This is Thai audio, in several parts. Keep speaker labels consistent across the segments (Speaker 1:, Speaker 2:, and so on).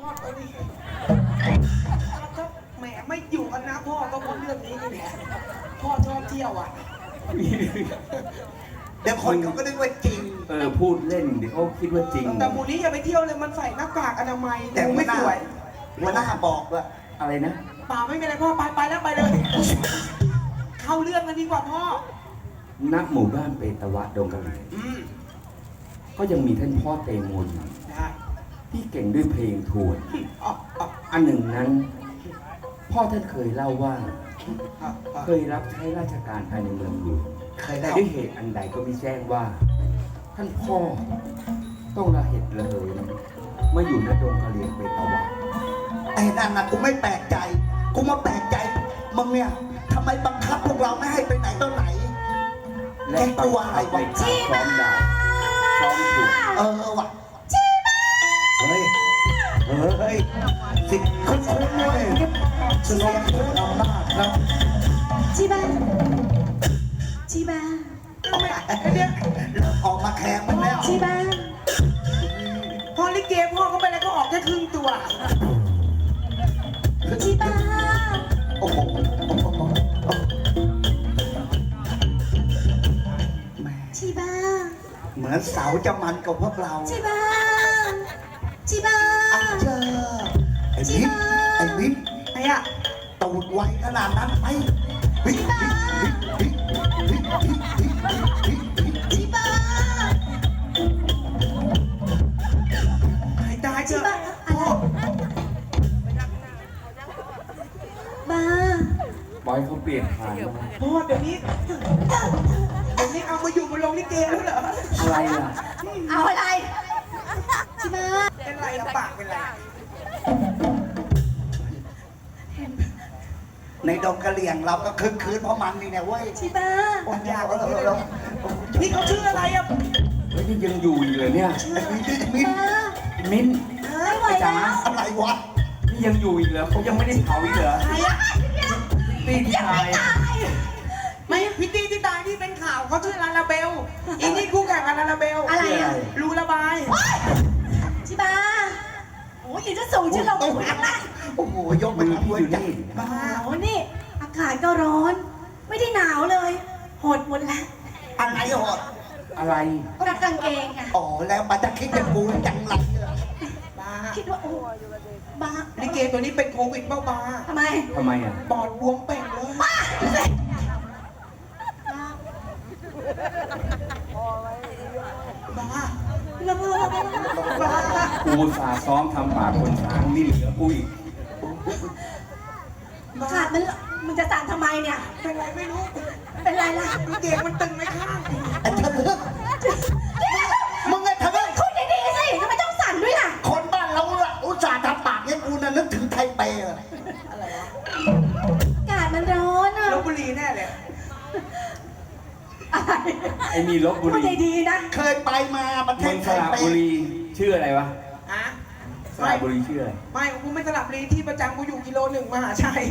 Speaker 1: อไปดิถ้าแหมไม่อยู่กันนะพ่อก็เพราะเรื่องนี้นี่แหละพ่อชอบเที่ยวอ่ะ
Speaker 2: เดี๋ยวคนเขาก็นึกว่าจริง
Speaker 3: พูดเล่นเดี๋ยวเขาคิดว่าจริง
Speaker 1: แต่มูนี้อย่าไปเที่ยวเลยมันใส่หน้ากากอนามัยแต่ไม่สวย
Speaker 2: หัวหน้าบอกว่า
Speaker 3: อะไรนะ
Speaker 1: ป่าไม่เป็นไรพ่อไปแล้วไปเลยเข้าเรื่องกันดีกว่าพ่อ
Speaker 3: ณหมู่บ้านเปตวะดงกะหรี่ก็ยังมีท่านพ่อเตมนที่เก่งด้วยเพลงทวนอันหนึ่งนั้นพ่อท่านเคยเล่าว่าเคยรับใช้ราชการภายในเมืองหลวงแต่ด้วยเหตุอันใดก็ไม่แจ้งว่าท่านพ่อต้องระเหตุระเหยเมื่ออยู่ณดงกะเหรี่ยงเปตวะ
Speaker 2: ไอ้นั่นนะกูไม่แปลกใจกูมาแปลกใจมึงเนี่ยทำไมบังคับพวกเราไม่ให้ไปไหนต่อไหน
Speaker 3: และตัวอะไรวะซ้อมดาวซ้อมถูก
Speaker 2: ว่ะเฮ้ยสิคุณด้วยสุนัขเอาหน้าครับ
Speaker 4: จีบ้า
Speaker 1: เดี๋ยว
Speaker 2: ออกมาแข่งมันแล้ว
Speaker 4: จีบ้า
Speaker 1: พอลิเกพ่อก็ไปแล้วก็ออกแค่ครึ่งตัว
Speaker 4: จีบ้า
Speaker 2: โอ้โห
Speaker 4: จีบ้า
Speaker 2: เหมือนเสาจะมันกับพวกเรา
Speaker 4: จีบ้า
Speaker 2: เจอไอ้บิ๊ก
Speaker 1: ไอ้อะ
Speaker 2: ตูดไวขนาดนั้นไป
Speaker 4: จีบ้า
Speaker 1: ให้ตายเจอพ่อ
Speaker 4: บ้า
Speaker 3: บอยเขาเปลี่ยนผ่าน
Speaker 1: พ่อเดี๋ยวนี้เอามาอยู่บนโรงลิเกแล้วเหรอ
Speaker 3: อะไรล่ะ
Speaker 4: เอาอะไรจีบ้า
Speaker 1: เป็นไรอะปากเป็นไร
Speaker 2: ในดงกะเหรี่ยงเราก็คึกคืนเพราะมันนี่เนี่ยเว้ย
Speaker 4: จีบ้า
Speaker 2: ปัญญาเรา
Speaker 1: นี่เขาชื่ออะไรอะ
Speaker 3: เฮ้ยยังอยู่อีกเลยเนี่ยมิ้น
Speaker 4: ไม่ไหวแล้ว
Speaker 2: อะไรวะ
Speaker 3: นี่ยังอยู่อีกเหรอเขายังไม่ได้เผาอีกเหรอ
Speaker 1: ใครอะ
Speaker 3: ตีที่ตาย
Speaker 1: ไม่พี่ตีที่ตายที่เป็นข่าวเขาชื่อลาลาเบลอีนี่คู่แข่งกับลาลาเบล
Speaker 4: อะไรอะ
Speaker 1: รูระบาย
Speaker 4: จีบ้าโอ้ยจะสูงชื่อเราไม่ไหวแล้ว
Speaker 2: โอ้โหยกไปทำด้วยใจ
Speaker 4: บ้าโอ้นี่อากาศก็ร้อนไม่ได้หนาวเลยหดหมดแล้ว
Speaker 2: อะไรหด
Speaker 3: อะไร
Speaker 4: รักกางเกงอะ
Speaker 2: อ๋อแล้วมันจะคิดจะกูจังไร
Speaker 1: บ้า
Speaker 4: คิดว่าโอ้บ้า
Speaker 1: ลิเกตัวนี้เป็นโควิดเบ้าบ้า
Speaker 4: ทำไม
Speaker 3: อ่ะ
Speaker 1: ปอดบวมเป่งเลย
Speaker 4: บ้า
Speaker 3: กูสาซ้อมทำปากคนช้างนี่เหลือกูอีก
Speaker 4: ขาดมันจะสั่นทำไมเนี่ย
Speaker 1: เป็นไรไม่รู้
Speaker 4: เป็นไรล่ะ
Speaker 1: เกงมันตึงไหมข้าง
Speaker 2: มึงไงทำไม
Speaker 4: คุยดีๆสิทำไมต้องสั่นด้วยล่ะ
Speaker 2: คนบ้านเราอุตส่าห์ทำปากเนี่ยกูน่ะนึกถึงไทเป
Speaker 1: อะไรวะ
Speaker 4: อากาศมันร้อนอ่ะ
Speaker 1: ลพบุรีแน่เลย
Speaker 3: ไอ้นี่ลพบุรี
Speaker 4: ดีๆนะ
Speaker 2: เคยไปมาประเทศ
Speaker 3: สระบุรีชื่ออะไรวะสระบุรีชื่ออะไร
Speaker 1: ไม่กูไม่สระบุรีที่ประจำกูอยู่กิโล 1มหาชัย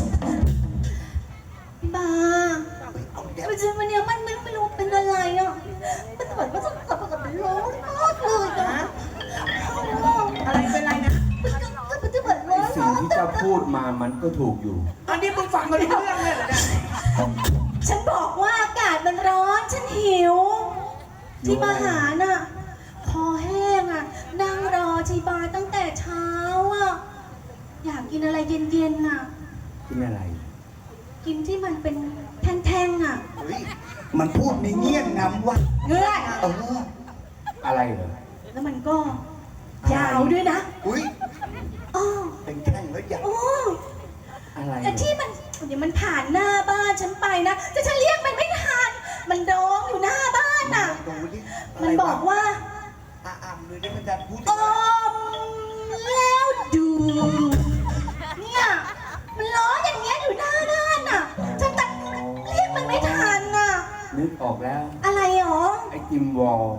Speaker 4: บ้ามันจะมันเนี่ยมันไม่รู้เป็นอะไรอ่ะมันแบบว่าต้องกลับเป็นร้อนมากเลยนะ
Speaker 1: อะไรเป็นไรนะ
Speaker 4: มันจะแบบร้อน
Speaker 3: สิ่งที่เจ้าพูดมามันก็ถูกอยู่
Speaker 1: ตอนนี้มึงฟังมาเรื่องเลยเหรอเนี่ย
Speaker 4: ฉันบอกว่าอากาศมันร้อนฉันหิวที่มาหาน่ะคอแห้งอ่ะนั่งรอจีบาตั้งแต่เช้าอ่ะอยากกินอะไรเย็นๆน่ะ
Speaker 3: กินอะไร
Speaker 4: กินที่มันเป็นแท่งๆอ่ะ
Speaker 2: มันพูดในเงี้ยงำว่า
Speaker 4: เงื่อน
Speaker 3: อะไรเหรอ
Speaker 4: แล้วมันก็ยาวด้วยนะ
Speaker 2: อุ้ยเป็นแท่งแล้วยาว
Speaker 3: อะไร
Speaker 4: แต่ที่มันเดี๋ยวมันผ่านหน้าบ้านฉันไปนะแต่ฉันเรียกมันไม่ทันมันร้องอยู่หน้าบ้านน่ะมันบอกว่า
Speaker 2: เลยได้มันจะพูด
Speaker 4: แล้วดูเนี่ยมันร้องอย่างเงี้ยอยู่หน้าบ้านน่ะฉันตัดเรียกมันไม่ทันน่ะ
Speaker 3: นึกออกแล้ว
Speaker 4: อะไรหรอ
Speaker 3: ไอติมวอล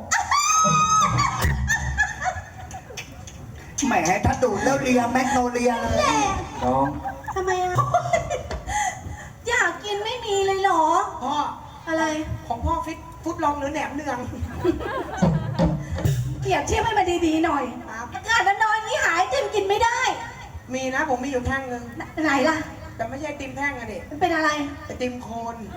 Speaker 2: แหมถ้าดูดแล้วเลียแมกโนเลียเลย
Speaker 3: น้อง
Speaker 4: ทำไมอ่ะอยากกินไม่มีเลยเหรอ
Speaker 1: พ่อ
Speaker 4: อะไร
Speaker 1: ของพ่อฟุตลองหรือแหนมเนือง
Speaker 4: เปรียบเทียบให้มันดีๆหน่อยอากาศร้อนๆนี้หายเต็มกินไม่ได้
Speaker 1: มีนะผมมีอยู่แท่งนึง
Speaker 4: ไหนล่ะ
Speaker 1: แต่ไม่ใช่ไอติมแท่งอะดิ
Speaker 4: มันเป็นอะไร
Speaker 1: ไอติมโคน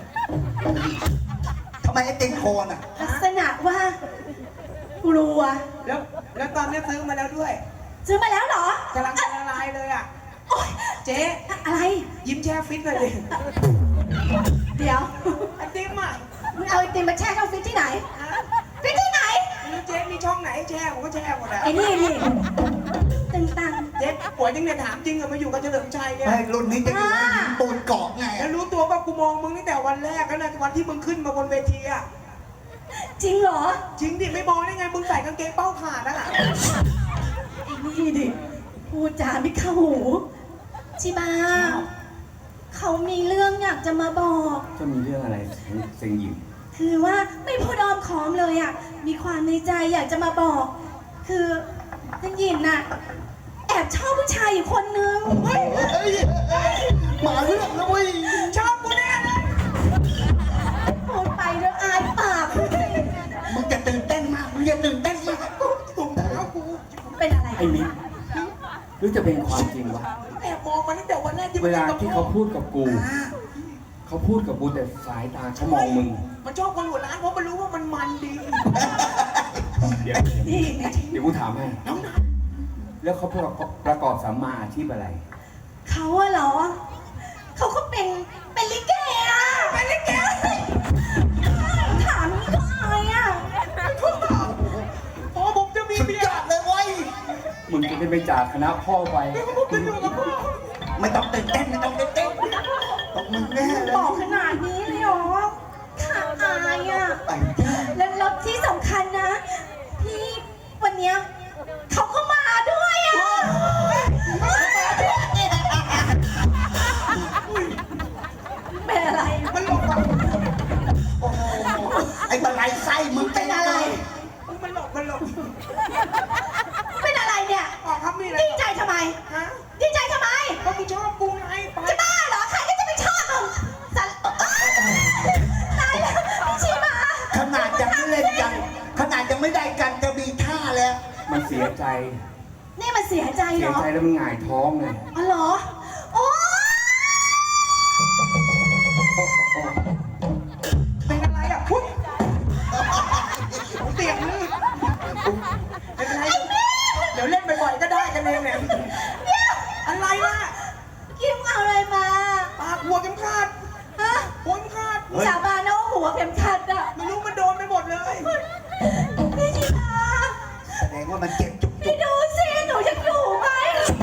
Speaker 2: ทำไมไอ้ติงโคนอ่ะ
Speaker 4: ลักษณะว่ากลัว
Speaker 1: แล้วตอนนี้ซื้อมาแล้วด้วย
Speaker 4: ซื้อมาแล้วเหรอก
Speaker 1: ำลังจะละลายเลยอ่ะ
Speaker 4: โอ๊ย
Speaker 1: เจ๊
Speaker 4: อะไร
Speaker 1: ยิ้มแช่ฟิตหน่อยดิ
Speaker 4: เดี๋ยว
Speaker 1: ไอติมอ่ะ
Speaker 4: มึงเอาไอติมมาแช่เข้าฟิตที่ไหน
Speaker 1: ฮะ
Speaker 4: ฟิตที่ไหน
Speaker 1: ไม่รู้เจ๊มีช่องไหนแช่ผมก็แช่หมดอ่ะ
Speaker 4: ไอ้นี่ตึงตัง
Speaker 1: เจ๊ป่วยจริงเนี่ยถามจริงอะมาอยู่กับเฉลิมชัยเนี่ย
Speaker 2: ไอ้รุ่นนี้จะอยู่ในหินปูนเกาะไง
Speaker 1: แล้วรู้ตัวป่ะกูมองมึงตั้งแต่วันแรกแล้วนะวันที่มึงขึ้นมาบนเวทีอ่ะ
Speaker 4: จริงเหรอ
Speaker 1: จริงดิไม่มองได้ไงมึงใส่กางเกงเป้าขาดอ่ะ
Speaker 4: ไอ้นี่ดิพูดจาไม่เข้าหูชิบาเขามีเรื่องอยากจะมาบอก
Speaker 3: จะมีเรื่องอะไรเซ็งหยิม
Speaker 4: คือว่าไม่พูดอ้อมค้อมเลยอ่ะ มีความในใจอยากจะมาบอก คือท่านหญิงน่ะ แอบชอบผู้ชายอยู่คนนึง
Speaker 2: เฮ้ยมาเรื่องแล้วเว้ย
Speaker 1: ชอบกูแน่เลย
Speaker 4: พูดไปแล้วอายปาก
Speaker 2: มึงจะตื่นเต้นมากมึงจะตื่นเต้นมาก
Speaker 1: ถุงเท้ากู
Speaker 4: เป็นอะไร
Speaker 3: ไอ้มิกหรือจะเป็นความจริงวะ
Speaker 1: แอบมองมาตั้งแต่วันแรกที่
Speaker 3: เวลาที่เขาพูดกับกู
Speaker 2: อ่า
Speaker 3: เขาพูดกับกูแต่สายตาเขามองมึง
Speaker 1: มันชอบคนหัวร้านเพราะมันรู้ว่ามันมันดี
Speaker 3: เดี๋ยว
Speaker 4: นี่ไง
Speaker 3: เดี๋ยวกูถามให้
Speaker 1: น้องนัท
Speaker 3: แล้วเขาประกอบสัมมาอาชีพอะไร
Speaker 4: เขาอะเหรอ เขาก็เป็นลิเกอะเป็นลิเกถามนี่ก็อายอะ
Speaker 1: พอผมจะมี
Speaker 2: สุด
Speaker 1: เมีย
Speaker 2: ยอดเลยเว้ย
Speaker 3: มึงจะได้ไปจากคณะพ่อไป
Speaker 1: ผมจะอยู่กับพ่อ
Speaker 2: ไม่ต้องตื่นเต้นไม่ต้องตื่นเต้นต้องมึงแน่เลย
Speaker 4: บอกขนาดนี้เลยเหรอขาดอายอะ
Speaker 2: ไอ้เหี้ย
Speaker 4: แล้วที่สำคัญนะ พี่วันเนี้ยเขาก็มาด้วยอะเป็นอะไร
Speaker 1: มันหลบอะ
Speaker 2: โอ้โหไอ้บันไลไส้มึง
Speaker 4: เป็นอะไร
Speaker 1: มันหลบมันหลบ
Speaker 4: เป็นอะไรเนี่ย
Speaker 1: ออกครับมีอะไร
Speaker 4: ดีใจทำไม
Speaker 1: ฮะ
Speaker 4: ดีใจทำไม
Speaker 1: ก็มึงชอบกูไงไป
Speaker 4: จะบ้าเหรอ ใครก็จะไม่ชอบมึงสันตายแล้วพี่ชิมา
Speaker 2: ขนาดยังไม่เล่นกันขนาดยังไม่ได้กันจะมีท่าแล้ว
Speaker 3: มันเสียใจ
Speaker 4: นี่มันเสียใจ
Speaker 3: เสี
Speaker 4: เหร
Speaker 3: ย
Speaker 4: อ
Speaker 3: ใจแล้วมันหงายท้องไง
Speaker 4: อ๋อเหรอ โอ้
Speaker 1: เป็นอะไรอ่ะพุ๊บเตียงลื่นไม่เป็นไรเดี๋ยวเล่นบ่อยๆก็ได้กันเองเนี่ยอะไรล่ะ
Speaker 4: กิมเอาอะไรมา
Speaker 1: ปากหัวเข็มขัด
Speaker 4: ฮะ
Speaker 1: หัวเข็มขัด
Speaker 4: สาบานนะว่าหัวเข็มขัดอะ
Speaker 1: ไม่รู้มันโดนไปหมดเลย
Speaker 4: พี่ชิมา
Speaker 2: แสดงว่ามันเจ็บจุก
Speaker 4: พี่ดูสิ หนูยังอยู่ไหม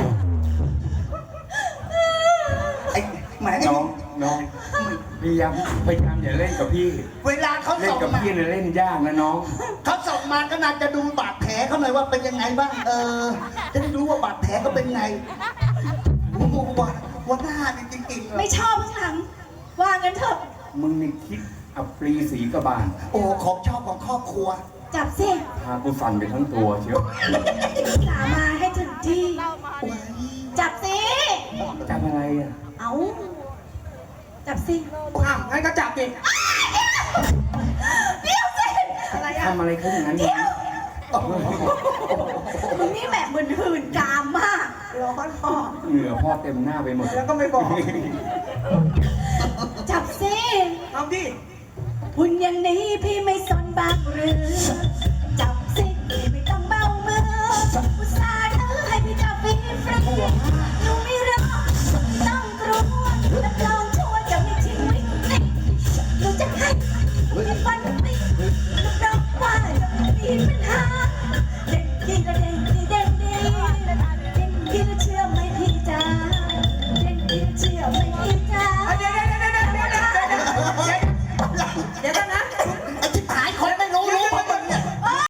Speaker 2: ไอ้แหม
Speaker 3: น้องพยายามอย่าเล่นกับพี่
Speaker 2: เวลาเขา
Speaker 3: เล่น
Speaker 2: ส่ง
Speaker 3: กับ
Speaker 2: มา
Speaker 3: พี่เนี่ยเล่นยากนะน้อง
Speaker 2: เขาส่งมาก็น่าจะดูบาดแผลเขาหน่อยว่าเป็นยังไงบ้างจะได้รู้ว่าบาดแผลก็เป็นไงโอ้โหว่าหน้านี่จริงๆเล
Speaker 4: ไม่
Speaker 2: ย
Speaker 4: ชอบข้างหลัง ว่างั้นเถอะ
Speaker 3: มึงนี่คิดอับปรีสีกระบาล
Speaker 2: โอ้ของชอบของครอบครัว
Speaker 4: จับสิ
Speaker 3: พากูสั่นไปทั้งตัวเชียว
Speaker 4: สามาให้ถึงที่ จับสิ
Speaker 3: จับอะไรอ่ะ
Speaker 4: เอาจับสิ
Speaker 1: อ้าวงั้นก็จับดิ
Speaker 4: เดี๋ยวสิ
Speaker 1: อะไรอ่ะ
Speaker 3: ทำอะไรเขาอย่างนั้น
Speaker 4: เดี๋ยวมึงนี่แบบเหมือนหื่นกามมาก
Speaker 1: ร้อนพ่อ
Speaker 3: เหงื่อพ่อเต็มหน้าไปหมด
Speaker 1: แล้วก็ไม่บอก
Speaker 4: จับสิ
Speaker 1: เอาดิ
Speaker 4: หุ่นอย่างนี้พี่ไม่สนบ้างหรือ